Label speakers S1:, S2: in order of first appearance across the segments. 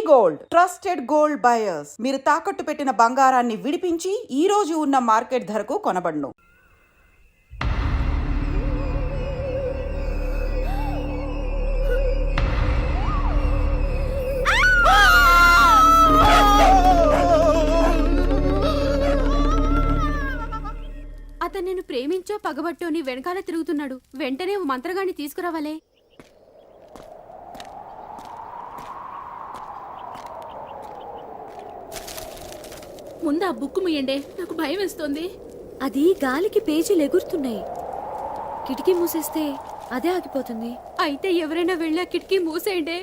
S1: Gold, trusted gold buyers. మీరు తాకట్టు పెట్టిన బంగారాన్ని విడిపించి ఈ రోజు ఉన్న మార్కెట్ ధరకు కొనబడును.
S2: అతను నేను ప్రేమించో పగబట్టో నీ వెనకాల తిరుగుతున్నాడు. వెంటనే ఓ మంత్రగాన్ని తీసుకురావాలే. ముందు ఆ బుక్ ముయ్యండి, నాకు భయం వేస్తోంది.
S3: అది గాలికి పేజీలు ఎగురుతున్నాయి. కిటికీ మూసేస్తే అదే ఆగిపోతుంది.
S2: అయితే ఎవరైనా వెళ్ళి ఆ కిటికీ మూసేయండి.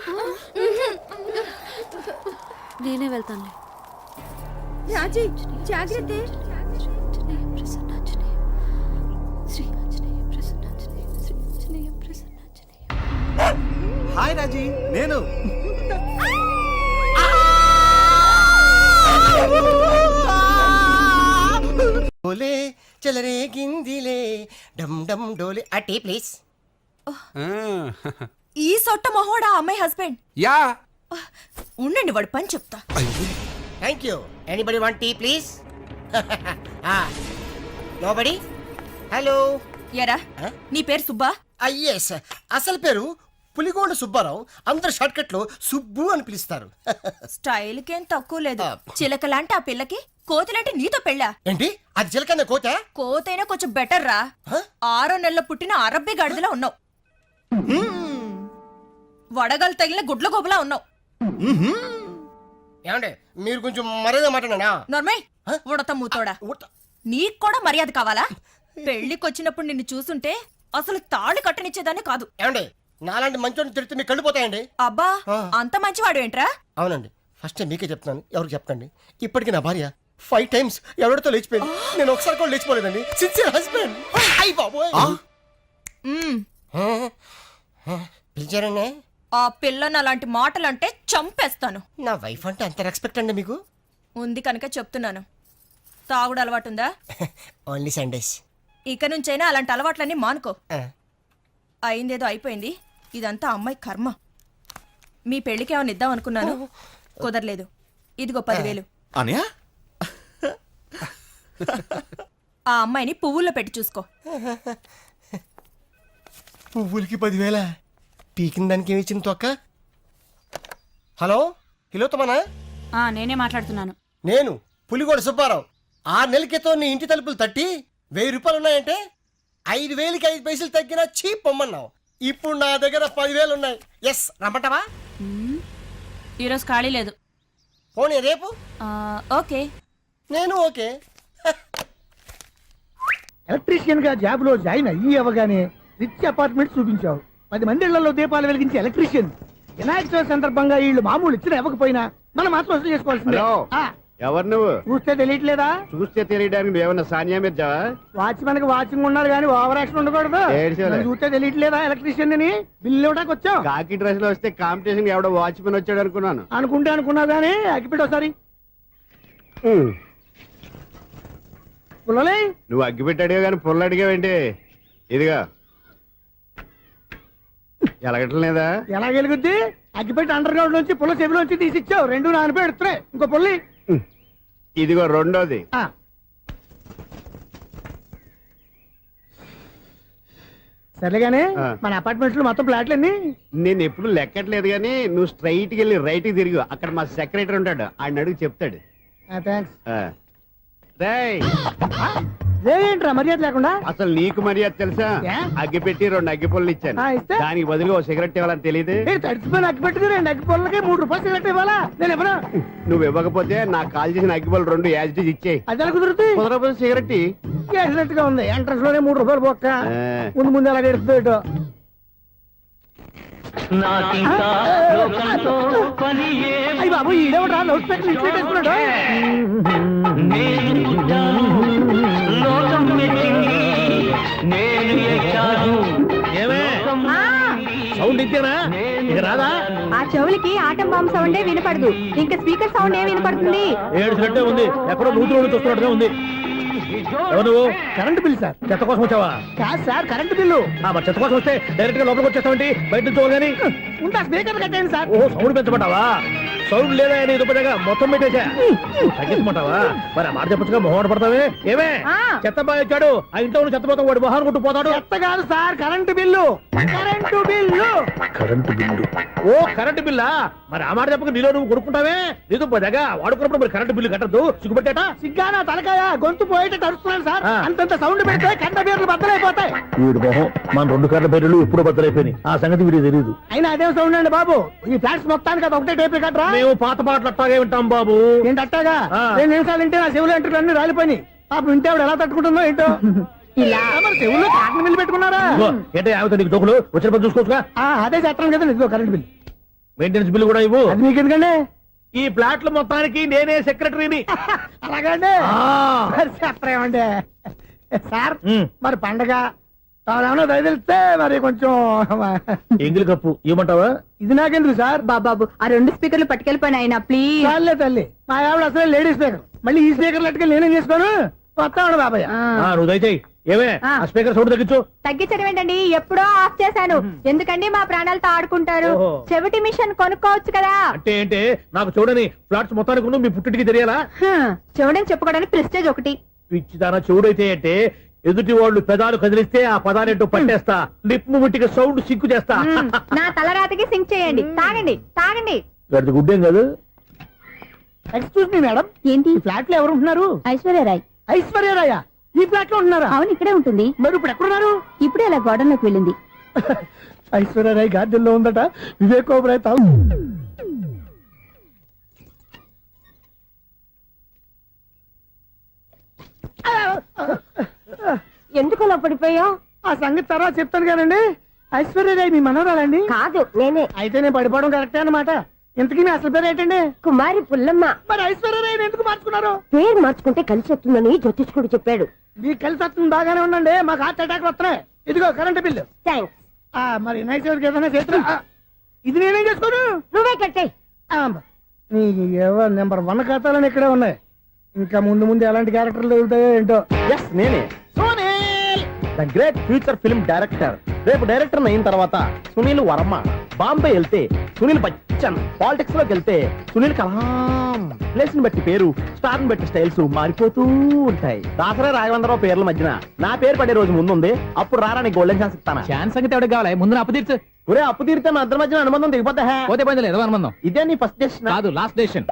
S3: నేనే వెళ్తానులే.
S2: రాజీ జాగ్రత్త.
S4: హాయ్ రాజీ, నేను డోలే చలరే గిందిలే డమ్ డమ్ డోలే ఆ టీ ప్లీజ్.
S5: ఈ సొట్ట మొహోడా అమ్మాయి హస్బెండ్.
S4: యా
S5: ఉండండి వాడు పని చెప్తా.
S4: Thank you. Anybody want tea please? Nobody. Hello.
S5: ఎరా నీ పేరు సుబ్బా?
S4: ఎస్, అసలు పేరు పులిగోండ సుబ్బారావు. అందరు షార్ట్ కట్ లో సుబ్బు అని పిలుస్తారు.
S5: స్టైల్ కేం తక్కువ లేదు. చిలకలాంటి ఆ పిల్లకి కోతిలాంటి నీతో పెళ్ళా?
S4: ఏంటి అది చిలకన్న కోత?
S5: కోతైనా కొంచెం బెటర్ రా. 6 నెలల పుట్టిన అరబ్బీ గాడిదలా ఉన్నావు. వడగలు తగిలిన గుడ్ల గోబులా ఉన్నావు.
S4: ఏమండి మీరు కొంచెం మర్యాద మాట్లాడనా?
S5: నర్మయ్ ఉడత మూతోడా. నీకు కూడా మర్యాద కావాలా? పెళ్లికొచ్చినప్పుడు నిన్ను చూసుంటే అసలు తాళి కట్టనిచ్చేదాన్ని కాదు.
S4: ఏమండి నాలాంటి మంచోడిని తిడితే మీకు కళ్ళిపోతాయండి.
S5: అబ్బా అంత మంచివాడు ఏంట్రా?
S4: అవునండి, ఫస్ట్ మీకే చెప్తున్నాను, ఎవరికి చెప్పకండి. ఇప్పటికి నా భార్య 5 times ఎవరితో లేచిపోయింది. నేను ఒకసారి కూడా లేచిపోలేదండి. Sincere husband. అయ్య బాబోయ్. పిలిచారండి?
S5: ఆ పిల్లని అలాంటి మాటలంటే చంపేస్తాను.
S4: నా వైఫ్ అంటే అంత రెస్పెక్ట్ అండి మీకు?
S5: ఉంది కనుక చెప్తున్నాను. తాగుడు అలవాటుందా?
S4: Only Sundays.
S5: ఇక నుంచైనా అలాంటి అలవాట్లన్నీ మానుకో. అయిందేదో అయిపోయింది. ఇదంతా అమ్మాయి కర్మ. మీ పెళ్లికి ఏమైనా ఇద్దాం అనుకున్నాను, కుదరలేదు. ఇదిగో 10,000.
S6: అనియా
S5: ఆ అమ్మాయిని పువ్వుల్లో పెట్టి చూసుకో.
S4: పువ్వులకి 10,000? పీకిన దానికి ఏమి ఇచ్చింది తొక్క? హలో, కిలోతమనా?
S2: నేనే మాట్లాడుతున్నాను.
S4: నేను పులిగోడ సుబ్బారావు. 6 నెలల క్రితం నీ ఇంటి తలుపులు తట్టి 1000 రూపాయలు ఉన్నాయంటే 5,000కి 5 పైసలు తగ్గినా చీప్ పొమ్మన్నావు. ఇప్పుడు నా దగ్గర 10,000 ఉన్నాయి. ఎస్, రమ్మంటావా?
S2: ఈరోజు ఖాళీ లేదు.
S4: పోనీ రేపు?
S2: ఓకే.
S4: నేను ఓకే.
S7: ఎలక్ట్రీషియన్ గా జాబ్ లో జాయిన్ అయ్యి అవగానే రిచ్ అపార్ట్మెంట్ చూపించావు. 10 మంది ఇళ్లలో దీపాలు వెలిగించే ఎలక్ట్రీషియన్. వినాయక చవితి సందర్భంగా వీళ్ళు మామూలు ఇచ్చినా ఇవ్వకపోయినా మనం మాత్రం వసూలు చేసుకోవాల్సిందే.
S6: ఎవరు నువ్వు?
S7: చూస్తే తెలియట్లేదా?
S6: చూస్తే తెలియడానికి నువ్వేమన్నా సానియా మీర్జా?
S7: వాచ్మెన్ కి వాచింగ్ ఉండాలి కానీ ఓవర్ యాక్షన్ ఉండకూడదు. నన్ను చూస్తే తెలియట్లేదా ఎలక్ట్రీషియన్ అని? బిల్లు ఇవ్వడానికి వచ్చావు.
S6: కాకి డ్రెస్ లో వస్తే కాంపిటీషన్ ఎవడో వాచ్మెన్ వచ్చాడు అనుకున్నాను.
S7: అనుకుంటే అనుకున్నావు కానీ అగ్గిపెట్టి ఒకసారి. పుల్లలే
S6: నువ్వు అగ్గి పెట్టాడుగా కానీ పుల్ల అడిగావేంటి? ఇదిగా ఎలగటం లేదా?
S7: ఎలా వెలుగుద్ది? అగ్గిపెట్టి అండర్ గ్రౌండ్ నుంచి పుల్ల చెవిలోంచి తీసి ఇచ్చావు. 2 నానపై ఎడుతున్నాయి. ఇంకో పుల్లి
S6: ఇదిగో రెండోది.
S7: సరేగానే మన అపార్ట్మెంట్ లో మొత్తం ఫ్లాట్లు అన్ని
S6: నేను ఎప్పుడు లెక్కట్లేదు కానీ నువ్వు స్ట్రైట్ కి వెళ్ళి రైట్ కి తిరిగి అక్కడ మా సెక్రటరీ ఉంటాడు, ఆయన అడుగు చెప్తాడు.
S7: ఏంట్రా మర్యాద లేకుండా?
S6: అసలు నీకు మర్యాద తెలుసా? అగ్గి పెట్టి 2 అగ్గి పుల్లలు ఇచ్చాను. దానికి బదులు ఓ సిగరెట్ ఇవ్వాలని తెలియదు.
S7: తడిచిపోయిన అగ్గి పెట్టుకుని 2 అగ్గి పుల్లలకి 3 రూపాయలు సిగరెట్ ఇవ్వాలా? నేను ఇవ్వను.
S6: నువ్వు ఇవ్వకపోతే నాకు కాల్ చేసిన అగ్గి పుల్లలు 2 యాజిటీస్ ఇచ్చేయి.
S7: అది ఎలా కుదురుతుంది?
S6: కుదరకపోతే సిగరెట్
S7: వేసినట్టు గా ఉంది. ఎంట్రన్స్ లోనే 3 రూపాయలు బొక్క. ముందు ముందు అలా ఎడుతుంది. అయ్యి బాబు ఈడేవడా లౌడ్ స్పీకర్ ఇన్స్టేట్ వేసుకున్నాడు.
S8: సౌండ్ ఇచ్చానా? ఇక రాదా?
S3: ఆ చెవులకి ఆటం బాంబు సౌండే వినపడదు, ఇంకా స్పీకర్ సౌండ్ ఏ వినపడుతుంది?
S8: ఏడుసినట్టే ఉంది, ఎక్కడో నూతులు చూస్తున్నట్టుగా ఉంది. ఎవరు నువ్వు?
S7: Current bill sir.
S8: చెత్త కోసం వచ్చావా?
S7: కాదు సార్, కరెంట్ బిల్లు.
S8: మరి చెత్త కోసం వస్తే డైరెక్ట్ గా లోపలికి వచ్చేస్తావేంటి? బయట నుంచి కానీ
S7: ఉంటా, స్పీకర్ కట్టండి సార్.
S8: ఓహో, సౌండ్ పెంచమంటావా? సౌండ్ లేదా నీ దుబ్బగా మొత్తం పెట్టేసా. తగ్గించమంటావా? మరి ఆ మాట చెప్పచ్చుగా, మొహమాట పడతావే. ఏమే చెత్త బాగా వచ్చాడు, ఆ ఇంట్లో ఉన్న చెత్త పోతాం, వాడు మొహాన్ని కొట్టు పోతాడు.
S7: చెత్త కాదు sir, current bill. Current bill.
S8: Current bill. ఓ కరెంటు బిల్లా? మరి ఆ మాట చెప్పక నీలో నువ్వు కొడుకుంటావే. నీతో దగ్గర వాడుకున్నప్పుడు మరి కరెంటు బిల్లు కట్టద్దు, సిగ్గుపెట్టేట.
S7: సిగ్గానా తలకాయ, గొంతు పోయేటట్టు అరుస్తున్నాను సార్.
S8: ఆ.
S7: అంతంత సౌండ్ పెడితే కంట బీర్లు బద్దలైపోతాయి.
S8: వీడు మొహం మన 2 కార్ల బెర్రెలు ఎప్పుడో బద్దలైపోయినాయి. ఆ సంగతి వీడికి తెలియదు.
S7: అయినా అదే సౌండ్ అండి బాబు. ఈ ఫ్లాట్స్ మొత్తానికి అది ఒకటే టేప్ కట్టరా?
S8: మేము పాత పాటలు అట్టాగే వింటాం బాబు.
S7: ఏంటి అట్టాగా?
S8: ఆ.
S7: 2 నిమిషాలు వింటే నా చెవులు ఎంటర్ అన్ని రాలిపోయినాయి. పాపం వింటే ఆవిడ ఎలా తట్టుకుంటుందో ఏంటో. ఇలా మరి చెవుల్లో కాటన్ బిల్లు పెట్టుకున్నారా?
S8: ఇదిగో, ఏంటే ఆమెతో నీకు దోకులు వచ్చిన పని చూసుకోవచ్చుగా.
S7: అదే చేస్తాను కదా. ఇదిగో కరెంట్ బిల్.
S8: మెయింటెనెన్స్ బిల్లు కూడా ఇవ్వు.
S7: అది మీకు ఎందుకండి?
S8: ఈ ప్లాట్ల మొత్తానికి నేనే సెక్రటరీని.
S7: అలాగండి. మరి చెప్పరేమండి సార్. మరి పండగ ఏమన్నా దయదలిస్తే మరి కొంచెం
S8: ఎంగిలి కప్పు ఇవ్వమంటావా?
S7: ఇది నాకెందుకు సార్?
S3: బాబు ఆ 2 స్పీకర్లు పట్టుకెళ్ళిపోయిన ఆయన ప్లీజ్.
S7: చాలే తల్లి, మా ఆవిడ అసలే లేడీ స్పీకర్. మళ్ళీ ఈ స్పీకర్ లెట్కెళ్ళి నేనేం చేసుకోను. వస్తాడు బాబాయ్.
S8: నువ్వు దయచేయి. ఏమే ఆ స్పీకర్ సౌండ్ తగ్గించు.
S3: తగ్గించడం ఏంటండి, ఎప్పుడో ఆఫ్ చేశాను. ఎందుకండి మా ప్రాణాలతో ఆడుకుంటారు?
S8: ఓహో.
S3: చెవిటి మిషన్ కొనుక్కోవచ్చు కదా.
S8: అంటే ఏంటే నాకు చూడని ఫ్లాట్స్ మొత్తానికి ఉన్న మీ పుట్టింటికి తెలియాలా?
S3: చెవిడని చెప్పుకోవడానికి ప్రెస్టేజ్ ఒకటి.
S8: పిచ్చిదాన చెవుడైతే అంటే ఎదుటి వాళ్ళు పెదాలు కదిలిస్తే ఆ పదాలేంటో పట్టేస్తా. లిప్ ముట్టికి సౌండ్ సిక్కు చేస్తా.
S3: నా తలరాతకి సింక్ చేయండి. తాగండి తాగండి.
S8: గడిది గుడ్డేం కాదు.
S7: ఎక్స్క్యూజ్ మీ మేడం,
S3: ఏంటి?
S7: ఈ ఫ్లాట్ లో ఎవరు ఉంటున్నారు?
S3: ఐశ్వర్యరాయ్.
S7: ఐశ్వర్యరాయ ఈ ఫ్లాట్ లో ఉంటున్నారా?
S3: అవును, ఇక్కడే ఉంటుంది.
S7: మరి ఇప్పుడు ఎక్కడున్నారు?
S3: ఇప్పుడే అలా గోడంలోకి వెళ్ళింది.
S7: ఐశ్వర్యరాయ్ గార్డెన్ లో ఉందట. వివేక్ ఓబరాయ్ తావు.
S3: ఎందుకు అలా పడిపోయావు?
S7: ఆ సంగతి తర్వాత చెప్తాను కానండి. ఐశ్వర్యరాయ్ మీ మనవరాలండి?
S3: కాదు, నేనే.
S7: అయితే నేను పడిపోవడం కరెక్టే అన్నమాట. ఇంతకీ మీ అసలు పేరు ఏంటండి?
S3: కుమారి పుల్లమ్మ.
S7: మరి ఐశ్వర్యరాయ్ ఎందుకు మార్చుకున్నారు?
S3: పేరు మార్చుకుంటే కలిసి వస్తుందని జ్యోతిష్కుడు చెప్పాడు.
S7: మీకు కలిసి వస్తుంది, బాగానే ఉండండి. మాకు హార్ట్ అటాక్ వస్తున్నాయి. ఇదిగో కరెంట్ బిల్లు.
S3: థ్యాంక్స్.
S7: మరి నైట్ ఏదైనా చేతున్నా ఇది నేనేం చేసుకోను.
S3: నువ్వే కట్టాయి.
S7: నీకు ఎవరు నెంబర్ 1 ఖాతాలని ఇక్కడే ఉన్నాయి. ఇంకా ముందు ముందు ఎలాంటి క్యారెక్టర్లు దొరుకుతాయో ఏంటో.
S4: నేనే the great future film director. రేపు డైరెక్టర్ అయిన తర్వాత సునీల్ వర్మ. బాంబే వెళ్తే సునీల్ బచ్చన్. పాలిటిక్స్ లోకి వెళ్తే సునీల్ కలాం. ప్లేస్ ని బట్టి పేరు, స్టార్ ని బట్టి స్టైల్స్ మారిపోతూ ఉంటాయి. దాసరా రాఘవేంద్రరావు పేర్ల మధ్యన నా పేరు పడే రోజు ముందుంది. అప్పుడు రారా నీకు గోల్డెన్ ఛాన్స్ ఇస్తానా?
S9: ఛాన్స్ సంగతి ఎవరికి కావాలి? ముందు అప్పు తీర్చు.
S4: ఒరే అప్పు తీరితే మా ఇద్దరి మధ్యన అనుబంధం దిగిపోతా.
S9: పోతే పని లేదు అనుబంధం.
S4: ఇదే నీ ఫస్ట్ డెస్టినేషన్
S9: కాదు, లాస్ట్ డెసిషన్.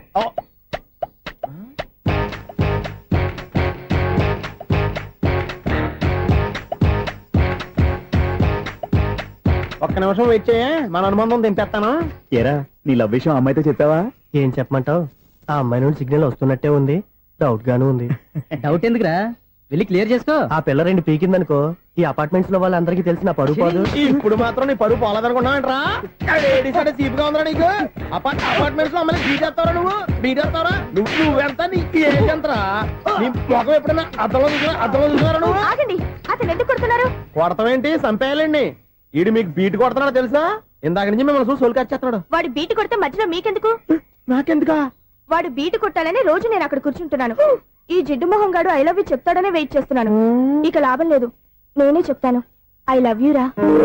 S4: ఒక్క నిమిషం వెయిట్ చేయ, మన అనుబంధం దింపేస్తాను.
S6: ఏరా నీ లవ్ విషయం అమ్మాయితో చెప్పావా?
S4: ఏం చెప్పమంటావు? ఆ అమ్మాయి నుండి సిగ్నల్ వస్తున్నట్టే ఉంది. డౌట్ గాను ఉంది.
S9: డౌట్ ఎందుకురా, వెళ్ళి క్లియర్ చేసుకో.
S4: ఆ పిల్ల 2 పీకిందనుకో, ఈ అపార్ట్మెంట్స్ లో వాళ్ళందరికీ తెలిసిన పరువు పోదు. ఇప్పుడు మాత్రం నీ పరువు పోలేదనుకున్నావంటరా? చీప్ గా ఉందా నీకు? అపార్ట్మెంట్స్ లో అమ్మని బీటేస్తావరా? బీటేస్తావరా? నువ్వెంత, నీకు ఏంటంతరా? నీ మొఖం ఎప్పుడైనా అద్దంలో చూసారా నువ్వు?
S3: ఆగండి, అతను ఎందుకు కొడుతున్నారు?
S4: కొడతావేంటి? చంపేయాలండి. ఈడు మీకు బీట్ కొడుతున్నాడు తెలుసా? ఇందాక నుంచి మిమ్మల్ని చూసి సోల్కి వచ్చేస్తున్నాడు.
S3: వాడు బీటు కొడితే మధ్యలో మీకెందుకు?
S4: నాకెందుకా?
S3: వాడు బీటు కొట్టాలని రోజు నేను అక్కడ కూర్చుంటున్నాను. ఈ జిడ్డు మొహం గాడు ఐ లవ్ యూ చెప్తాడనే వెయిట్ చేస్తున్నాను. ఇక లాభం లేదు, నేనే చెప్తాను. ఐ లవ్ యూ రా.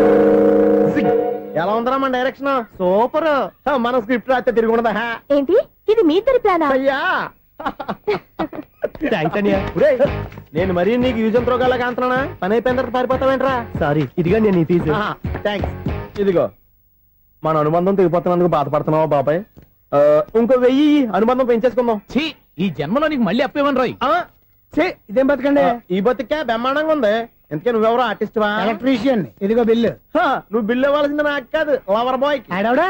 S4: ఎలా ఉందరా మన డైరెక్షన్? సూపర్. మన స్క్రిప్ట్ రాస్తే తిరిగి ఉండదా?
S3: ఏంటి ఇది మీ ఇద్దరి ప్లానా?
S4: అయ్యా థ్యాంక్స్ అనియా. నేను మరీ నీకు యూజ్ ఎంతో గలగా అంటున్నా. పని అయిపోయిన తర్వాత పారిపోతావేంట్రా? సారీ, ఇదిగా నేను ఈ ఫీజు. థ్యాంక్స్. ఇదిగో మన అనుబంధం తెగిపోతున్నందుకు బాధపడుతున్నావా బాబాయ్? ఇంకో 1000 అనుబంధం పెంచేసుకుందాం.
S9: ఛీ, ఈ జన్మలో నీకు మళ్ళీ అప్పు ఇవ్వను రోయ్.
S7: ఇదేం బతకండి.
S4: ఈ బతికే బ్రహ్మాండంగా ఉంది. ఎందుకే నువ్వెవరో ఆర్టిస్ట్ వా?
S7: ఎలక్ట్రీషియన్. ఇదిగో బిల్లు.
S4: నువ్వు బిల్లు ఇవ్వాల్సింది నాకు కాదు, లవర్ బాయ్.
S7: ఆడవడా?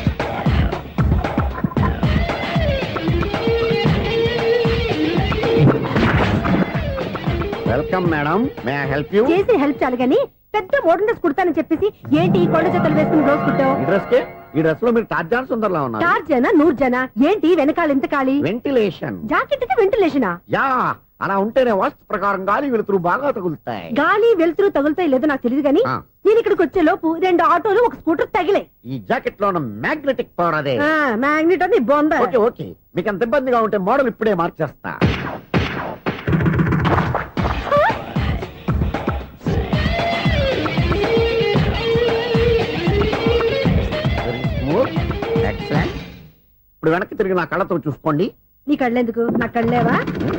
S6: Welcome madam, may I help you?
S3: చేసి హెల్ప్ చాలు గాని పెద్ద మోడల్ డ్రెస్ కుడతానని చెప్పేసి ఏంటి ఈ కొండ జతలు వేసుకుని రోజు కుట్టావు?
S6: ఈ డ్రెస్ కే, ఈ డ్రెస్ లో మీరు టార్జాన్ సుందర్లా ఉన్నారు.
S3: 4 జన 100 జన ఏంటి వెనకాల ఇంత ఖాళీ?
S6: వెంటిలేషన్.
S3: జాకెట్ కి వెంటిలేషనా?
S6: యా, అలా ఉంటేనే వాస్తు ప్రకారం గాలి వెలుతురు బాగా తగులుతాయి.
S3: గాలి వెలుతురు తగులుతాయి లేదో నాకు తెలియదు గాని
S6: ఆ.
S3: నేను ఇక్కడికి వచ్చే లోపు 2 ఆటోలు 1 స్కూటర్ తగిలే.
S6: ఈ జాకెట్ లో ఉన్న మ్యాగ్నెటిక్ పవర్ అదే.
S3: మ్యాగ్నెట్ అని బొంద.
S6: ఓకే ఓకే, మీకు అంత ఇబ్బందిగా ఉంటే మోడల్ ఇప్పుడే మార్చేస్తా. ఇప్పుడు వెనక్కి తిరిగి నా కళ్ళతో చూసుకోండి.
S3: నీ కళ్ళెందుకు నా కళ్ళేవా?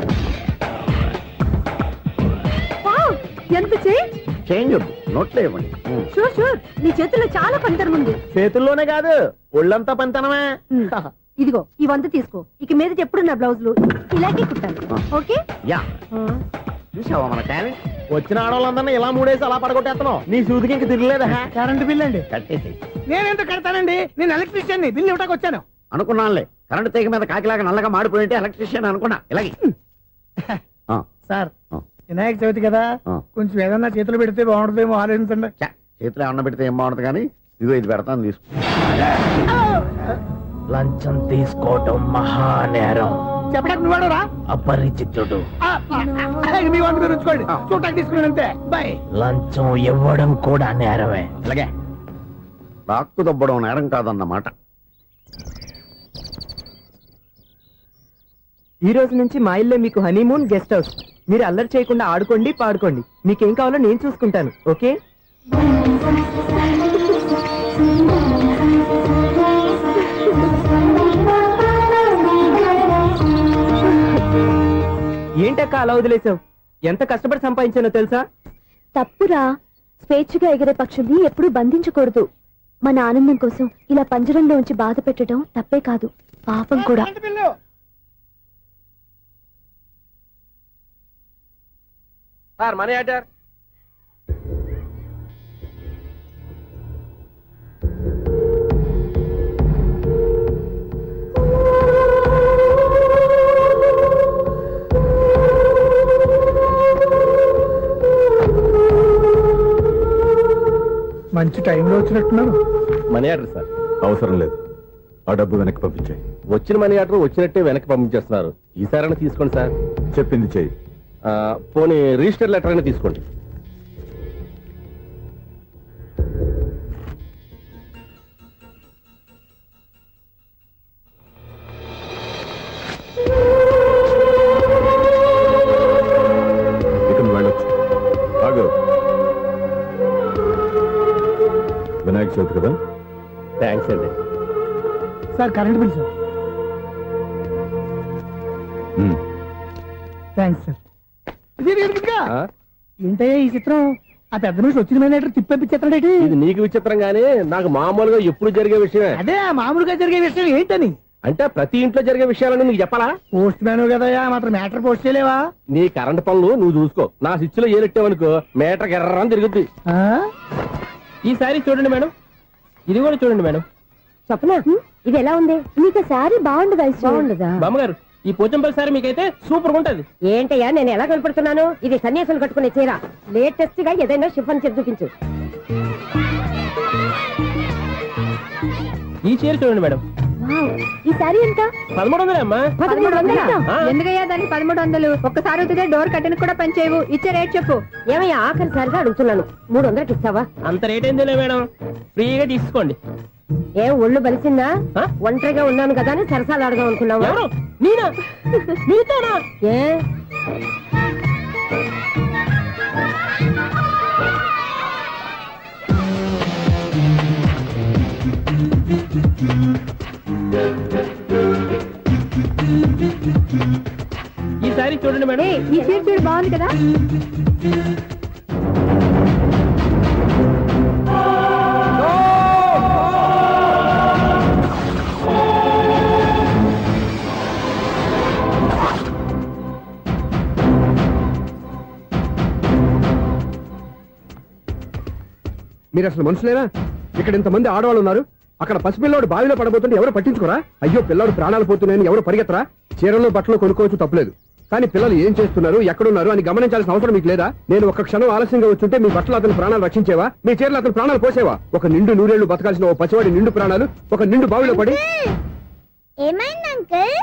S3: వావ్, ఎంత
S6: చేంజ్ నోట్లో ఇవ్వండి.
S3: షూర్ షూర్, నీ చేతుల్లో చాలా పంతరం ఉంది.
S4: చేతుల్లోనే కాదు ఒళ్ళంతా పంతనమే.
S3: ఇదిగో ఈ 100 తీసుకో. ఇక మీద ఎప్పుడు నా బ్లౌజులు ఇలాగే కుట్టాలి. ఓకే?
S6: యా, చూసావా మన టాలెంట్?
S4: వచ్చిన ఆడవాళ్ళందరినీ ఇలా మూడేసి అలా పడగొట్టేస్తున్నావు. నీ సూదికి ఇంక తిరగలేదా?
S7: కరెంట్ బిల్ అండి.
S6: కట్టేసి
S7: నేనెంత కడతానండి? నేను ఎలక్ట్రీషియన్ బిల్ ఇవ్వడానికి వచ్చాను.
S6: అనుకున్నానులే, కరెంట్ తీగ మీద కాకిలాగా నల్లగా మాడిపోయింటే ఎలక్ట్రీషియన్ అనుకున్నా. ఇలాగే
S7: సార్, వినాయక చవితి కదా, కొంచెం ఏదన్నా చేతులు పెడితే బాగుంటుందేమో ఆలోచించండి.
S6: చేతిలో అన్న పెడితే ఏం బాగుంటుంది కానీ ఇదిగో ఇది పెడతాను, తీసుకో.
S4: లంచం తీసుకోవటం మహానేరం.
S7: చెప్పడానికి నువ్వు రా.
S4: అపరిచితుడు.
S7: మీ 100 మీరు ఉంచుకోండి, చూడటానికి తీసుకుని అంతే. బాయ్.
S4: లంచం ఇవ్వడం కూడా నేరమే.
S6: ఇలాగే రాక్కు దబ్బడం నేరం కాదన్నమాట.
S10: ఈ రోజు నుంచి మా ఇల్లే మీకు హనీమూన్ గెస్ట్ హౌస్. మీరు అల్లరి చేయకుండా ఆడుకోండి, పాడుకోండి. మీకేం కావాలో నేను చూసుకుంటాను. ఓకే? ఏంటక్క అలా వదిలేసావు? ఎంత కష్టపడి సంపాదించానో తెలుసా?
S3: తప్పురా, స్వేచ్ఛగా ఎగిరే పక్షుల్ని ఎప్పుడూ బంధించకూడదు. మన ఆనందం కోసం ఇలా పంజరంలో ఉంచి బాధ పెట్టడం తప్పే కాదు, పాపం కూడా.
S7: Current bill.
S4: Sir money order.
S7: మంచి టైంలో వచ్చినట్టున్నారు.
S8: Money order sir. అవసరం లేదు, ఆ డబ్బు వెనక్కి పంపించాయి. వచ్చిన మనీ ఆర్డర్ వచ్చినట్టే వెనక్కి పంపించేస్తున్నారు. ఈసారైనా తీసుకోండి సార్. చెప్పింది చెయ్యి. పోనీ రిజిస్టర్ లెటర్ అయినా తీసుకోండి. ఇక నువ్వు వెళ్ళొచ్చు. ఆగు. వినాయక చవితి కదా.
S4: థ్యాంక్స్ అండి.
S7: Sir current bill sir. Thanks sir. ఏంటయ్యా ఈ చిత్రం? ఆ పెద్ద నుంచి వచ్చిన మేనేటర్ తిప్పించేస్తాడేటి?
S8: ఇది నీకు విచిత్రం గానీ నాకు మామూలుగా ఎప్పుడు జరిగే విషయమే.
S7: అదే మామూలుగా జరిగే విషయం ఏంటని?
S8: అంటే ప్రతి ఇంట్లో జరిగే విషయాలని నీకు చెప్పాలా?
S7: పోస్ట్ మ్యాన్ కదయ్యా, మాత్రం మ్యాటర్ పోస్ట్ చేయలేవా?
S8: నీ కరెంట్ పనులు నువ్వు చూసుకో. నా స్విచ్ లో ఏలెట్టావనుకో మీటర్ ఎర్రని తిరుగుద్ది.
S10: ఈసారి చూడండి మేడం, ఇది కూడా చూడండి మేడం.
S3: చెప్పనా, ఇది ఎలా ఉంది? నీకు సారీ బాగుండదా? బాగుండదా?
S10: బామ్మగారు, ఈ పోచంపల్లి సారీ మీకైతే సూపర్ ఉంటది.
S3: ఏంటయ్యా నేను ఎలా కనపడుతున్నాను? ఇది సన్యాసులు కట్టుకునే చీర. లేటెస్ట్ గా ఏదైనా షిఫన్ చేసి చూపించు.
S10: ఈ చీర చూడండి మేడం.
S3: ఈ సారీ ఎంత?
S10: 1300 అమ్మా.
S3: 1300?
S2: ఎందుకయ్యా దానికి 1300? ఒక్కసారి అవుతుందే డోర్ కట్టను కూడా పనిచేయవు. ఇచ్చే రేట్ చెప్పు.
S3: ఏమయ్యా ఆఖరిసారిగా అడుగుతున్నాను, 300కి ఇస్తావా?
S10: అంత రేట్ ఏందిలే మేడం, ఫ్రీగా తీసుకోండి.
S3: ఏం ఒళ్ళు బలిసిందా? ఒంటరిగా ఉన్నాను కదా అని సరసాలు అడదాం అనుకున్నావా?
S10: ఎవరు? నేనా? నీతోనా?
S3: ఏ
S10: ఈ సారీ చూడండి మేడం.
S3: ఈ చీర చూడు, బాగుంది కదా?
S8: మీరు అసలు మనుషులేనా? ఇక్కడ ఇంతమంది ఆడవాళ్ళు ఉన్నారు. అక్కడ పసిపిల్లాడు బావిలో పడబోతుంటే ఎవరు పట్టించుకోరా? అయ్యో పిల్లాడు ప్రాణాలు పోతున్నాయని ఎవరు పరిగెత్తరా? చీరలు బట్టలు కొనుక్కోవచ్చు, తప్పలేదు. కానీ పిల్లలు ఏం చేస్తున్నారు, ఎక్కడున్నారు అని గమనించాల్సిన అవసరం మీకు లేదా? నేను ఒక్క క్షణం ఆలస్యంగా వచ్చుంటే మీ బట్టలు అతని ప్రాణాలు రక్షించేవా? మీ చీరలు అతని ప్రాణాలు పోసేవా? ఒక నిండు నూరేళ్లు బతకాల్సిన ఓ పసివాడి నిండు ప్రాణాలు ఒక నిండు బావిలో పడి.
S3: ఏమైంది అంకుల్?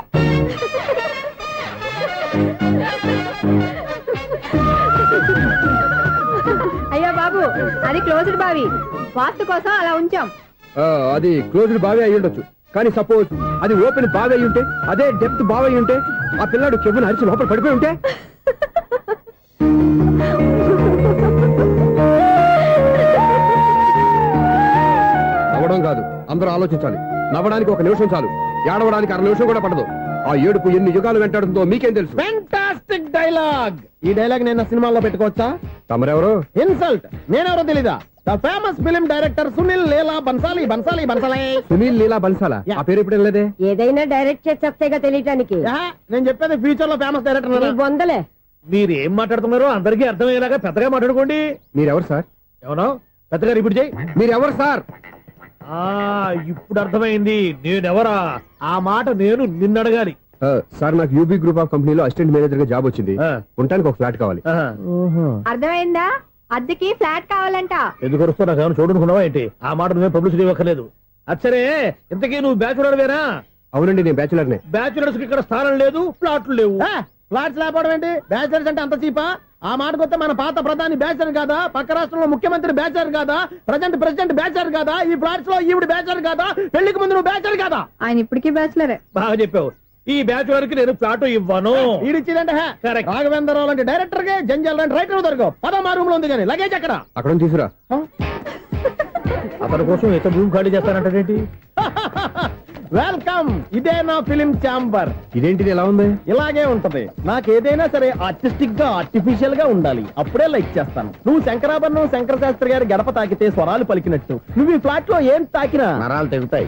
S2: అయ్యో బాబు, అది క్లోజ్డ్ బావి, వాస్తు కోసం అలా ఉంచాం.
S8: అది క్లోజ్డ్ బావి అయి ఉండొచ్చు, కానీ సపోజ్ అది ఓపెన్ బావి అయి ఉంటే, అదే డెప్త్ బావి అయి ఉంటే, ఆ పిల్లాడు చెవును అరిచి లోపల పడిపోయి ఉంటే. నవ్వడం కాదు, అందరూ ఆలోచించాలి. నవ్వడానికి ఒక నిమిషం చాలు. ఏడవడానికి 6 నిమిషం కూడా పడదు. ఆ ఏడుపు ఎన్ని యుగాలు వెంటాడుతుందో మీకేం తెలుసు?
S4: Fantastic dialogue. ఈ డైలాగ్ నేను సినిమాలో పెట్టుకోవచ్చా?
S8: తమరెవరు?
S4: ఇన్సల్ట్. నేనెవరో తెలీదా? The famous film director Sunil Leela Bhansali.
S8: Sunil Leela బన్సాలా? ఆ పేరు ఇప్పుడు లేదే.
S3: ఏదైనా డైరెక్ట్ చేసి వస్తేగా తెలియటానికి
S4: నేను చెప్పేది ఫ్యూచర్ లో ఫేమస్ డైరెక్టర్.
S3: బొందలే.
S7: మీరు ఏం మాట్లాడుతున్నారో అందరికీ అర్థమయ్యేలాగా పెద్దగా మాట్లాడుకోండి.
S8: మీరెవరు సార్?
S7: ఎవరో పెద్దగా రిపీట్ చేయి.
S8: మీరెవరు సార్?
S7: ఇప్పుడు అర్థమైంది నేనెవరా. ఆ మాట నేను నిన్ను అడగాలి.
S8: సార్ నాకు యూబీ గ్రూప్ ఆఫ్ కంపెనీలో అసిస్టెంట్ మేనేజర్ గా జాబ్ వచ్చింది. ఉండటానికి ఒక ఫ్లాట్ కావాలి.
S3: అర్థమైందా? అద్దెకి ఫ్లాట్ కావాలంట.
S7: ఎందుకు వస్తున్నా నాకు ఏమైనా చూడనుకున్నావా ఏంటి? ఆ మాట నువ్వే పబ్లిసిటీ ఇవ్వక్కర్లేదు. అచ్చరే, ఇంతకీ నువ్వు బ్యాచులర్ వేరా?
S8: అవునండి, నేను బ్యాచులర్ నే.
S7: బ్యాచులర్స్ కి ఇక్కడ స్థానం లేదు, ఫ్లాట్లు లేవు.
S4: ఫ్లాట్స్ లేకపోవడం ఏంటి? బ్యాచలర్స్ అంటే అంత చీపా? ఆ మాటకొస్తే మన పాత ప్రధాని బ్యాచలర్ కాదా? పక్క రాష్ట్రంలో ముఖ్యమంత్రి బ్యాచలర్ కాదా? ప్రెసిడెంట్ బ్యాచలర్ కాదా? ఈ ఫ్లాట్స్ లో ఈవిడ బ్యాచలర్ కాదా? పెళ్లికి ముందు నువ్వు బ్యాచలర్ కాదా?
S3: ఆయన ఇప్పటికీ బ్యాచులరే.
S7: బాగా చెప్పావు. ఈ బ్యాచులర్ కి నేను ఫ్లాట్ ఇవ్వను.
S4: ఈడిచ్చిందంటే రాఘవేంద్రరావు లాంటి డైరెక్టర్ కి జంజల్ లాంటి రైటర్ దొరకవు. 13 రూమ్ లో ఉంది కానీ లగేజ్ అక్కడ.
S8: అక్కడ తీసుకురా.
S7: అతని కోసం ఎంత భూమి ఖాళీ చేస్తానంటే
S4: వెల్కమ్. ఇదే నా ఫిలిం ఛాంబర్.
S8: ఇదేంటిది ఎలా ఉంది?
S4: ఇలాగే ఉంటది. నాకు ఏదైనా సరే ఆర్టిస్టిక్ గా ఆర్టిఫిషియల్ గా ఉండాలి. అప్పుడే లైక్ చేస్తాను. నువ్వు శంకరాభరణం శంకర శాస్త్రి గారి గడప తాకితే స్వరాలు పలికినట్టు నువ్వు ఈ ఫ్లాట్ లో ఏం తాకినా నరాలు తెగుతాయి.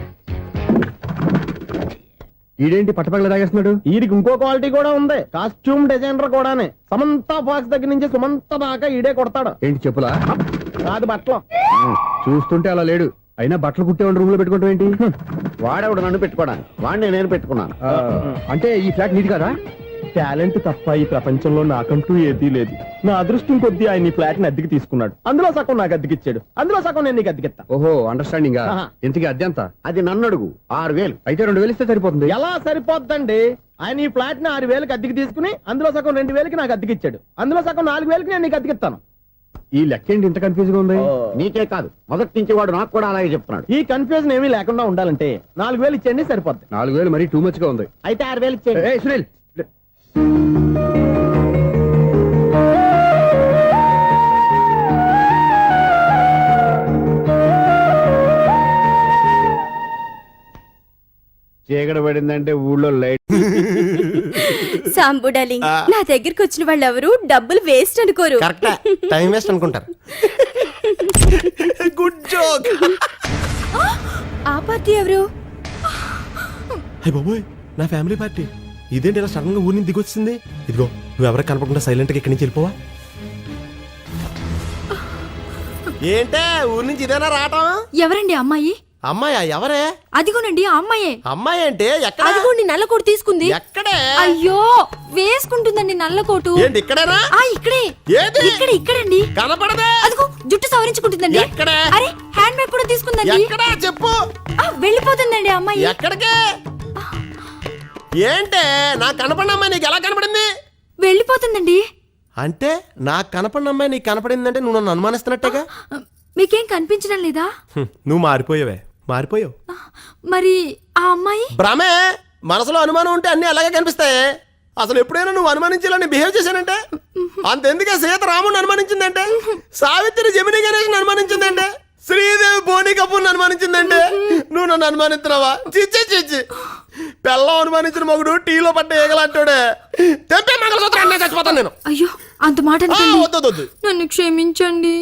S8: ఈడేంటి పట్టపగల తాగేస్తున్నాడు?
S4: వీడికి ఇంకో క్వాలిటీ కూడా ఉంది. కాస్ట్యూమ్ డిజైనర్ కూడానే. సమంత ఫాక్స్ దగ్గర నుంచి సుమంత దాకా ఈడే కొడతాడు.
S8: ఏంటి చెప్పులా?
S4: కాదు బట్టలు.
S8: చూస్తుంటే అలా లేడు. అయినా బట్టలు కుట్టేవాడు రూమ్ లో పెట్టుకుంటాం ఏంటి?
S6: వాడేవాడు నన్ను పెట్టుకోవడానికి, వాడిని నేను పెట్టుకున్నాను.
S8: అంటే ఈ ఫ్లాట్ నీది కదా?
S4: టాలెంట్ తప్ప ఈ ప్రపంచంలో నాకంటూ ఏదీ లేదు. నా అదృష్టం కొద్దీ ఆయన ఈ ఫ్లాట్ ని అద్దెకి తీసుకున్నాడు. అందులో సగం నాకు అద్దెకిచ్చాడు, అందులో సగం నేను నీకు అద్దెకిస్తా.
S8: ఓహో, అండర్స్టాండింగ్. ఇంతకీ అద్దె ఎంత?
S6: అది నన్ను అడుగు. 6,000.
S8: అయితే 2,000 ఇస్తే సరిపోతుంది.
S4: ఎలా సరిపోద్దండి? ఆయన ఈ ఫ్లాట్ ని 6,000కి అద్దెకి తీసుకుని అందులో సగం 2,000కి నాకు అద్దెకిచ్చాడు, అందులో సగం 4,000కి నేను నీకు అద్దెకిస్తాను.
S8: ఈ లెక్క ఏంటి ఇంత కన్ఫ్యూజ్ గా ఉంది?
S6: నీకే కాదు, మొదటి నుంచి వాడు నాకు కూడా అలాగే చెప్తున్నాడు.
S4: ఈ కన్ఫ్యూజన్ ఏమీ లేకుండా ఉండాలంటే 4,000 ఇచ్చేయండి, సరిపోద్ది.
S8: 4,000 మరీ టూ మచ్ గా ఉంది.
S4: అయితే 6,000 ఇచ్చేయండి.
S8: ఏయ్ సునీల్,
S6: చీకటి పడిందంటే ఊళ్ళో లైట్.
S2: సాంబు డార్లింగ్, నా దగ్గరికి వచ్చిన వాళ్ళు ఎవరు డబ్బులు వేస్ట్ అనుకోరు.
S4: టైం వేస్ట్ అనుకుంటారు. Good joke.
S2: ఆ పార్టీ ఎవరు?
S11: హే బాబోయ్, నా ఫ్యామిలీ పార్టీ. ఇదేంటి ఇలా సడన్ గా ఊరి నుంచి దిగొచ్చింది? ఇదిగో, నువ్వు ఎవరికి కనపడకుండా సైలెంట్ గా ఇక్కడి నుంచి వెళ్ళిపోవా. ఏంటే ఊరి నుంచి ఇదేనా రావటం?
S2: ఎవరండి అమ్మాయి?
S11: అమ్మాయా? ఎవరే?
S2: అదిగోనండి ఆ అమ్మాయే.
S11: అమ్మాయి అంటే ఎక్కడ?
S2: అదిగోండి నల్లకోటు తీసుకుంది.
S11: ఎక్కడే?
S2: అయ్యో, వేసుకుంటుందండి నల్లకోటు.
S11: ఏంటి ఇక్కడేనా?
S2: ఇక్కడే.
S11: ఏది?
S2: ఇక్కడండి.
S11: కనపడదే.
S2: అదిగో జుట్టు సవరించుకుంటుందండి.
S11: ఎక్కడే?
S2: అరే, హ్యాండ్ బ్యాగ్ కూడా తీసుకుందండి.
S11: ఎక్కడా చెప్పు.
S2: వెళ్ళిపోతుందండి అమ్మాయి.
S11: ఎక్కడికే? ఏంటే నాకు కనపడిన అమ్మాయి నీకు ఎలా కనపడింది?
S2: వెళ్ళిపోతుందండి.
S11: అంటే నాకు కనపడిన అమ్మాయి నీకు కనపడిందంటే నువ్వు నన్ను అనుమానిస్తున్నట్టేగా.
S2: మీకేం కనిపించడం లేదా?
S11: నువ్వు మారిపోయావే, మారిపోయావు.
S2: మరి ఆ అమ్మాయి?
S11: భ్రమే. మనసులో అనుమానం ఉంటే అన్ని అలాగే కనిపిస్తాయి. అసలు ఎప్పుడైనా నువ్వు అనుమానించాలని బిహేవ్ చేశానంటే అంతెందుకే సీత రాముని అనుమానించిందంటే, సావిత్రి జమిని గణేష్ని అనుమానించిందంటే, శ్రీదేవి బోని కపూర్ని అనుమానించిందంటే నువ్వు నన్ను అనుమానిస్తున్నావా? చిచ్చి చిచ్చి. పెళ్ళం అనుమానించిన మగుడు టీలో పడ్డ ఏగలంటాడే. తెంపే మంగళసూత్రం చచ్చిపోతాను నేను.
S2: అయ్యో, అంత మాట
S11: వద్దు.
S2: నన్ను క్షమించండి.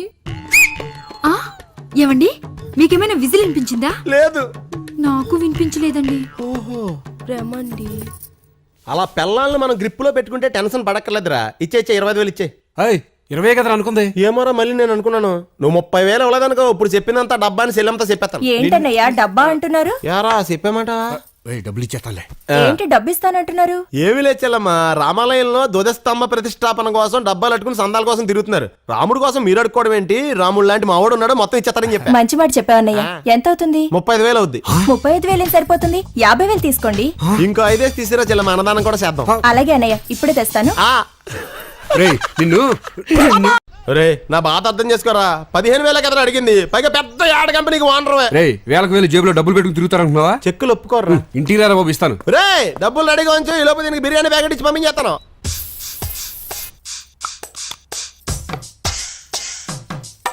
S2: ఏవండి, మీకేమైనా విజిల్ వినిపించిందా?
S11: లేదు,
S2: నాకు వినిపించలేదండి.
S11: ఓహో,
S2: రమండి.
S11: అలా పెళ్ళాలను మనం గ్రిప్పులో పెట్టుకుంటే టెన్షన్ పడక్కర్లేదురా. ఇచ్చే 25,000 ఇచ్చే.
S8: 20 కదా అనుకుంది.
S11: ఏమోరా, మళ్ళీ నేను అనుకున్నాను నువ్వు 30,000 ఇవ్వలేదనుకో. ఇప్పుడు చెప్పినంత డబ్బాని సెల్లంతా చెప్పేస్తాను.
S5: ఏంటన్నయ్యా డబ్బా అంటున్నారు?
S11: యారా చెప్పామాట.
S8: డబ్బులు ఇచ్చేస్తాలే.
S5: ఏంటి డబ్బు ఇస్తానంటున్నారు?
S11: ఏమి లేచెల్లమ్మా, రామాలయంలో ధ్వజస్తంభ ప్రతిష్టాపన కోసం డబ్బాలు అట్టుకుని సందాల కోసం తిరుగుతున్నారు. రాముడు కోసం మీరు అడుక్కోవడం ఏంటి? రాముడు లాంటి మావాడు ఉన్నాడు, మొత్తం ఇచ్చేస్తారని చెప్పి.
S5: మంచి మాట చెప్పావన్నయ్య. ఎంత అవుతుంది?
S11: 35,000 అవుద్ది.
S5: 35,000 సరిపోతుంది. 50,000 తీసుకోండి.
S11: ఇంకో 5 తీసిరా చెల్లమ్మ, అన్నదానం కూడా చేద్దాం.
S5: అలాగే అన్నయ్య, ఇప్పుడే తెస్తాను.
S8: నిన్ను
S11: రే, నా బాధ అర్థం చేసుకోరా. 15,000 కదా అడిగింది, పైగా పెద్ద యాడ్ కంపెనీకి ఓనర్వే.
S8: వేలకు వేలు జేబులో డబ్బులు పెట్టుకుని తిరుగుతారనుకున్నావా?
S11: చెక్కులు ఒప్పుకోర్రా.
S8: ఇంటికి రారా బాబు, ఇస్తాను.
S11: రే, డబ్బులు రెడీగా ఉంచు. ఈ లోపు దీనికి బిర్యానీ ప్యాకెట్ ఇచ్చి పంపించేస్తాను.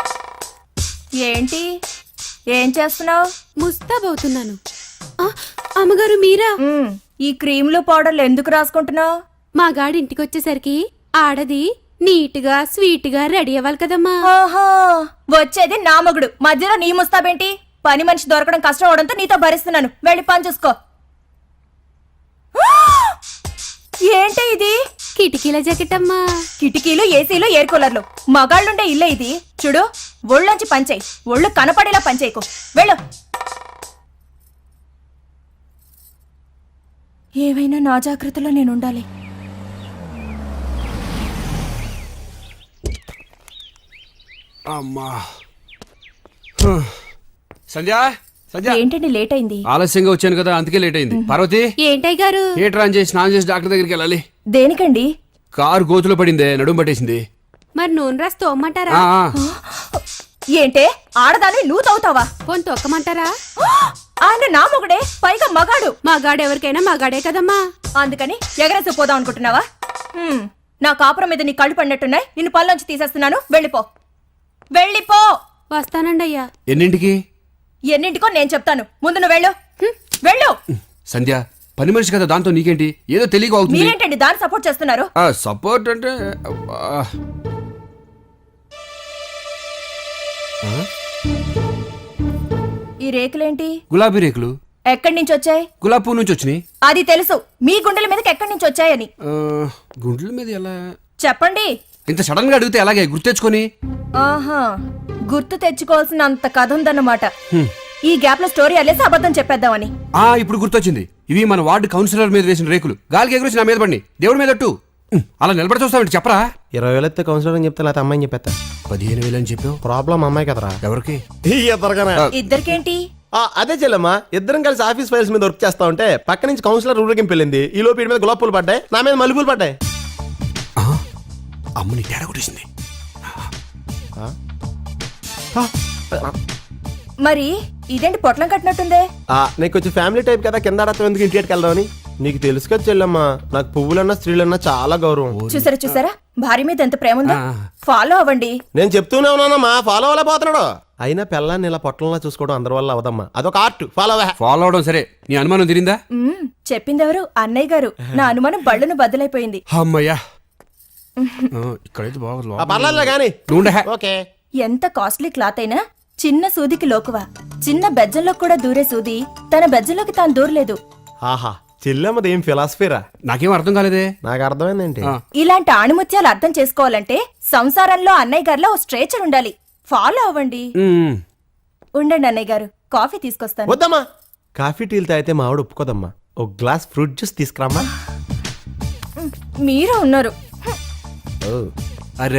S5: ఏంటి ఏం చేస్తున్నావు?
S2: ముస్తాబవుతున్నాను. అమ్మగారు మీరా?
S5: ఈ క్రీములు పౌడర్లు ఎందుకు రాసుకుంటున్నావు?
S2: మా గాడి ఇంటికి వచ్చేసరికి ఆడది నీట్గా స్వీట్గా రెడీ అవ్వాలి కదమ్మా.
S5: ఆహా, వచ్చేది నా మొగుడు, మధ్యలో నీ ముస్తాబేంటి? పని మనిషి దొరకడం కష్టం అవడంతో నీతో భరిస్తున్నాను. వెళ్ళి పని చూసుకో. ఏంటి ఇది?
S2: కిటికీల జాకెట్ అమ్మా.
S5: కిటికీలు, ఏసీలు, ఎయిర్ కూలర్లు, మగాళ్ళుండే ఇల్లే ఇది. చూడు, ఒళ్ళొంచి పంచేయి, ఒళ్ళు కనపడేలా పంచేయకు. వెళ్ళు. ఏవైనా నా జాగ్రత్తలో నేను ఉండాలి.
S8: అమ్మా సంధ్య సంధ్య
S5: ఏంటండి లేట్ అయింది?
S8: ఆలస్యంగా వచ్చాను కదా అందుకే లేట్ అయింది. పార్వతి
S2: ఏంటయ్య గారు?
S8: థియేటర్ ఆన్ చేసి స్నానం చేసి డాక్టర్ దగ్గరికి వెళ్ళాలి.
S5: దేనికండి?
S8: కారు గోతులో పడిందే, నడుము పట్టేసింది.
S2: మరి నూనె రాసి తోమ్మంటారా?
S8: ఆ, ఆ.
S5: ఏంటే ఆడదాన్ని నువ్వు తవ్వుతావా?
S2: పోని తొక్కమంటారా?
S5: ఆయన నా మొగుడే, పైగా మగాడు.
S2: మా గాడు ఎవరికైనా మా గాడే కదమ్మా.
S5: అందుకని ఎగరేసి పోదాం అనుకుంటున్నావా? నా కాపురం మీద నీ కళ్ళు పడినట్టున్నాయి. నిన్ను పళ్ళొంచి తీసేస్తున్నాను. వెళ్ళిపో, వెళ్ళిపో.
S2: వస్తానండి అయ్యా.
S8: ఎన్నింటికి?
S5: ఎన్నింటికో నేను చెప్తాను. ముందు నువ్వు వెళ్ళు. వెళ్ళు.
S8: సంధ్య పని మనిషి కదా, దాంతో నీకేంటి? ఏదో తెలియక అవుతుంది.
S5: మీరేంటండి దాన్ని సపోర్ట్ చేస్తున్నారు?
S8: సపోర్ట్ అంటే
S5: ఈ రేకులేంటి?
S8: గులాబీ రేకులు.
S5: ఎక్కడి నుంచి వచ్చాయి?
S8: గులాబీ పువ్వు నుంచి వచ్చినాయి.
S5: అది తెలుసు, మీ గుండెల మీదకి ఎక్కడి నుంచి వచ్చాయని.
S8: గుండెల మీద ఎలా?
S5: చెప్పండి.
S8: ఇంత సడన్ గా అడిగితే అలాగే గుర్తెచ్చుకొని.
S5: ఆహా, గుర్తు తెచ్చుకోవాల్సిన అంత కథ ఉందన్నమాట. ఈ గ్యాప్ లో స్టోరీ అల్లేసి అబద్ధం చెప్పేద్దామని.
S8: ఇప్పుడు గుర్తొచ్చింది. ఇవి మన వార్డు కౌన్సిలర్ మీద వేసిన రేకులు. గాలికి ఎగురేసి నా మీద పడి దేవుడి మీద అట్టు. అలా నిలబడి చూస్తామంటే చెప్పరా?
S11: 20,000 ఎత్తే కౌన్సిలర్ అని చెప్తే లేకపోతే అమ్మాయిని చెప్పేస్తా.
S8: 15,000 అని చెప్పావు.
S11: ప్రాబ్లం అమ్మాయి కదరా.
S8: ఎవరికి?
S5: ఇద్దరికేంటి?
S11: అదే చెల్లమ్మా, ఇద్దరం కలిసి ఆఫీస్ ఫైల్స్ మీద వర్క్ చేస్తా ఉంటే పక్క నుంచి కౌన్సిలర్ ఊరేగింపు వెళ్ళింది. ఈ లోపు వీడి మీద గులాబీ పూలు పడ్డాయి, నా మీద మల్లెపూలు పడ్డాయి.
S8: అమ్మని తేడా కొట్టేసింది.
S5: మరి ఇదేంటి పొట్లం కట్టినట్టుందే?
S11: నీకు కొంచెం ఫ్యామిలీ టైప్ కదా, కింద ఆడతాం ఎందుకు ఇంటికి వెళ్దామని. నీకు తెలుసు కదా చెల్లమ్మా, నాకు పువ్వులన్నా స్త్రీలన్నా చాలా గౌరవం.
S5: చూసారా భార్య మీద ఎంత ప్రేమ ఉందో. ఫాలో అవ్వండి.
S11: నేను చెప్తూనే ఉన్నానమ్మా, ఫాలో అవ్వలే పోతున్నాడు. అయినా పిల్లాన్ని ఇలా పొట్టంలా చూసుకోవడం అందరి వల్ల అవదమ్మా, అదొక ఆర్ట్.
S8: ఫాలో అవడం సరే, నీ అనుమానం తిరిందా?
S5: చెప్పిందెవరు? అన్నయ్య గారు. నా అనుమానం బళ్ళను బద్దలైపోయింది.
S8: అమ్మయ్యా, ఇక్కడైతే బాగుంది.
S11: పర్లేదు కానీ ఓకే.
S5: ఎంత కాస్ట్లీ క్లాత్ అయినా చిన్న సూదికి లోకువా. చిన్న బెజ్జంలో కూడా దూరే సూది తన బెజ్జంలోకి తాను దూరలేదు.
S11: ఆహా, చెల్లెమ్మది ఏం ఫిలాసఫీరా?
S8: నాకేం అర్థం కాలేదే.
S11: నాకు అర్థమైందేంటి?
S5: ఇలాంటి ఆణిముత్యాలు అర్థం చేసుకోవాలంటే సంసారంలో అన్నయ్య గారిలో ఓ స్ట్రేచర్ ఉండాలి. ఫాలో అవ్వండి. ఉండండి అన్నయ్య గారు, కాఫీ తీసుకొస్తాను.
S11: వద్దమ్మా, కాఫీ టీలు తాగితే మా ఆవిడ ఒప్పుకోదమ్మా. ఒక గ్లాస్ ఫ్రూట్ జ్యూస్ తీసుకురామ్మా.
S5: మీరు ఉన్నారు.